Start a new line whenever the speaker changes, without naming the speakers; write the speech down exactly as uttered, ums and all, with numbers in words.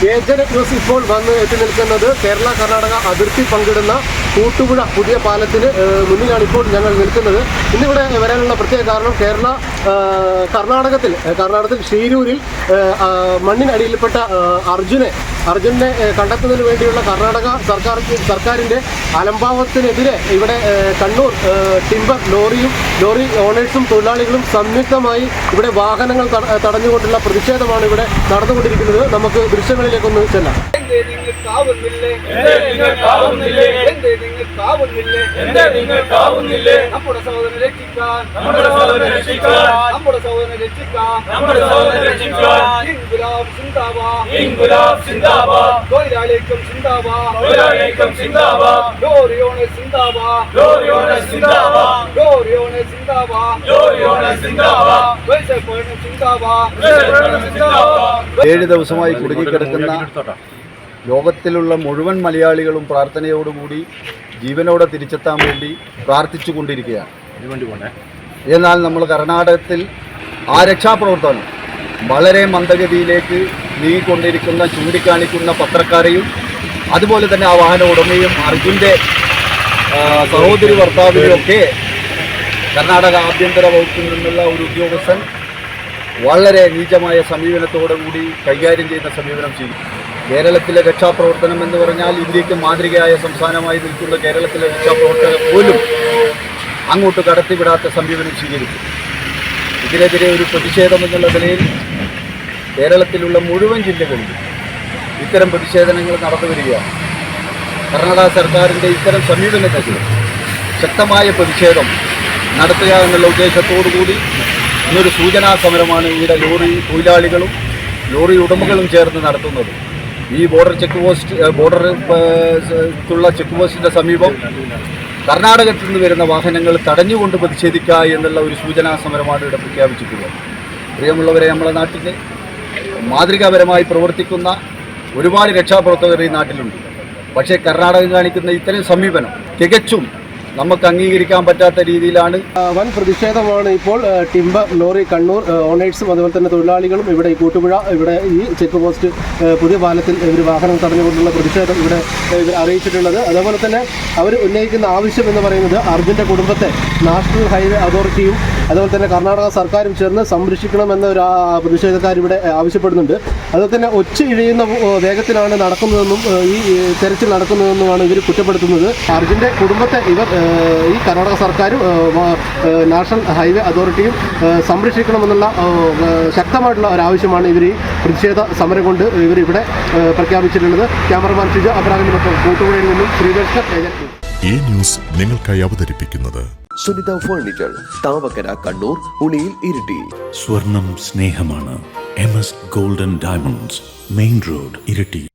Agent news ഇപ്പോൾ വന്ന് എത്തി നിൽക്കുന്നത് കേരള കർണാടക അതിർത്തി പങ്കിടുന്ന കൂട്ടുപുഴ പുതിയ പാലത്തിന് മുന്നിലാണ് ഇപ്പോൾ ഞങ്ങൾ നിൽക്കുന്നത്. ഇന്നിവിടെ വരാനുള്ള പ്രത്യേക കാരണം കേരള കർണാടകത്തിൽ കർണാടകത്തിൽ ഷീരൂരിൽ മണ്ണിനടിയിൽപ്പെട്ട അർജുനെ അർജുനെ കണ്ടെത്തുന്നതിന് വേണ്ടിയുള്ള കർണാടക സർക്കാർ സർക്കാരിൻ്റെ അലംഭാവത്തിനെതിരെ ഇവിടെ കണ്ണൂർ ടിമ്പർ ലോറിയും ലോറി ഓണേഴ്സും തൊഴിലാളികളും സംയുക്തമായി ഇവിടെ വാഹനങ്ങൾ തടഞ്ഞുകൊണ്ടുള്ള പ്രതിഷേധമാണ് ഇവിടെ നടന്നുകൊണ്ടിരിക്കുന്നത്. നമുക്ക് ദൃശ്യങ്ങളിലേക്കൊന്ന് ചെല്ലാം.
നമ്മുടെ സഹോദരനെ രക്ഷിക്കാൻ നമ്മുടെ സഹോദരനെ രക്ഷിക്കാൻ നമ്മുടെ സഹോദരനെ രക്ഷിക്കാൻ നമ്മുടെ സഹോദരനെ രക്ഷിക്കാൻ ഇൻകുലാബ് സിന്ദാബാദ് ഇൻകുലാബ് സിന്ദാബാദ് തൊഴിലാളിക്കും സിന്ദാബാദ് തൊഴിലാളിക്കും സിന്ദാബാദ് ലോറിയോണെ സിന്ദാബാദ് ലോറിയോണെ സിന്ദാബാദ് ലോറിയോണെ സിന്ദാബാദ് ലോറിയോണെ സിന്ദാബാദ് വൈസപ്പോണെ സിന്ദാബാദ് വൈസപ്പോണെ സിന്ദാബാദ്.
ഏഴ് ദിവസമായി കുടുങ്ങിക്കിടക്കുന്ന ലോകത്തിലുള്ള മുഴുവൻ മലയാളികളും പ്രാർത്ഥനയോടുകൂടി ജീവനോടെ തിരിച്ചെത്താൻ വേണ്ടി പ്രാർത്ഥിച്ചു കൊണ്ടിരിക്കുകയാണ്. എന്നാൽ നമ്മൾ കർണാടകത്തിൽ ആ രക്ഷാപ്രവർത്തനം വളരെ മന്ദഗതിയിലേക്ക് നീങ്ങിക്കൊണ്ടിരിക്കുന്ന ചൂണ്ടിക്കാണിക്കുന്ന പത്രക്കാരെയും അതുപോലെ തന്നെ ആ വാഹന ഉടമയും അർജുൻ്റെ സഹോദരി ഭർത്താവിനെയും ഒക്കെ കർണാടക ആഭ്യന്തര വകുപ്പിൽ നിന്നുള്ള ഒരു ഉദ്യോഗസ്ഥൻ വളരെ നീചമായ സമീപനത്തോടു കൂടി കൈകാര്യം ചെയ്യുന്ന സമീപനം ചെയ്തു. കേരളത്തിലെ രക്ഷാപ്രവർത്തനം എന്ന് പറഞ്ഞാൽ ഇന്ത്യക്ക് മാതൃകയായ സംസ്ഥാനമായി നിൽക്കുന്ന കേരളത്തിലെ രക്ഷാപ്രവർത്തകർ പോലും അങ്ങോട്ട് കടത്തിവിടാത്ത സമീപനം സ്വീകരിച്ചു. ഇതിനെതിരെ ഒരു പ്രതിഷേധം എന്നുള്ള നിലയിൽ കേരളത്തിലുള്ള മുഴുവൻ ജില്ലകളിലും ഇത്തരം പ്രതിഷേധങ്ങൾ നടന്നു വരികയാണ്. കർണാടക സർക്കാരിൻ്റെ ഇത്തരം സമീപനത്തിൽ ശക്തമായ പ്രതിഷേധം നടത്തുക എന്നുള്ള ഉദ്ദേശത്തോടു കൂടി ഇന്നൊരു സൂചനാ സമരമാണ് ഇവിടെ ലോറി തൊഴിലാളികളും ലോറി ഉടമകളും ചേർന്ന് നടത്തുന്നത്. ഈ ബോർഡർ ചെക്ക് പോസ്റ്റ് ബോർഡറുള്ള ചെക്ക് പോസ്റ്റിൻ്റെ സമീപം കർണാടകത്തിൽ നിന്ന് വരുന്ന വാഹനങ്ങൾ തടഞ്ഞുകൊണ്ട് പ്രതിഷേധിക്കുക എന്നുള്ള ഒരു സൂചനാ സമരമാണ് ഇവിടെ പ്രഖ്യാപിച്ചിട്ടുള്ളത്. പ്രിയമുള്ളവരെ, നമ്മുടെ നാട്ടിൽ മാതൃകാപരമായി പ്രവർത്തിക്കുന്ന ഒരുപാട് രക്ഷാപ്രവർത്തകർ ഈ നാട്ടിലുണ്ട്. പക്ഷേ കർണാടകം കാണിക്കുന്ന ഇത്തരം സമീപനം തികച്ചും നമുക്ക് അംഗീകരിക്കാൻ പറ്റാത്ത രീതിയിലാണ്.
വൻ പ്രതിഷേധമാണ് ഇപ്പോൾ ടിമ്പർ ലോറി കണ്ണൂർ ഓണേഴ്സും അതുപോലെ തന്നെ തൊഴിലാളികളും ഇവിടെ ഈ കൂട്ടുപുഴ ഇവിടെ ഈ ചെക്ക് പോസ്റ്റ് പുതിയ പാലത്തിൽ ഇവർ വാഹനം തടഞ്ഞുകൊണ്ടുള്ള പ്രതിഷേധം ഇവിടെ അറിയിച്ചിട്ടുള്ളത്. അതേപോലെ തന്നെ അവർ ഉന്നയിക്കുന്ന ആവശ്യം എന്ന് പറയുന്നത് അർജുൻ്റെ കുടുംബത്തെ നാഷണൽ ഹൈവേ അതോറിറ്റിയും അതുപോലെ തന്നെ കർണാടക സർക്കാരും ചേർന്ന് സംരക്ഷിക്കണമെന്ന ഒരു പ്രതിഷേധക്കാർ ഇവിടെ ആവശ്യപ്പെടുന്നുണ്ട്. അതുപോലെ തന്നെ ഒച്ച ഇഴയുന്ന വേഗത്തിലാണ് നടക്കുന്നതെന്നും ഈ തെരച്ചിൽ നടക്കുന്നതെന്നുമാണ് ഇവർ കുറ്റപ്പെടുത്തുന്നത്. അർജുൻ്റെ കുടുംബത്തെ ഇവർ ഈ കർണാടക സർക്കാരും നാഷണൽ ഹൈവേ അതോറിറ്റിയും സംരക്ഷിക്കണമെന്നുള്ള ശക്തമായിട്ടുള്ള ഒരാവശ്യമാണ് ഇവർ ഈ പ്രതിഷേധ സമരം കൊണ്ട് ഇവർ ഇവിടെ പ്രഖ്യാപിച്ചിട്ടുള്ളത്. ക്യാമറമാൻ ഷിജ അബ്രാഹിമിനൊപ്പം കൂട്ടുപുഴയിൽ നിന്നും ശ്രീകൃഷ്ണ ഏജന്റ്.
ഈ ന്യൂസ് നിങ്ങൾക്കായി അവതരിപ്പിക്കുന്നത്
സുനിത ഫർണിച്ചർ, താവക്കര, കണ്ണൂർ, ഉളിയിൽ, ഇരിട്ടി.
സ്വർണം സ്നേഹമാണ്. M S golden diamonds, main road, Iritty.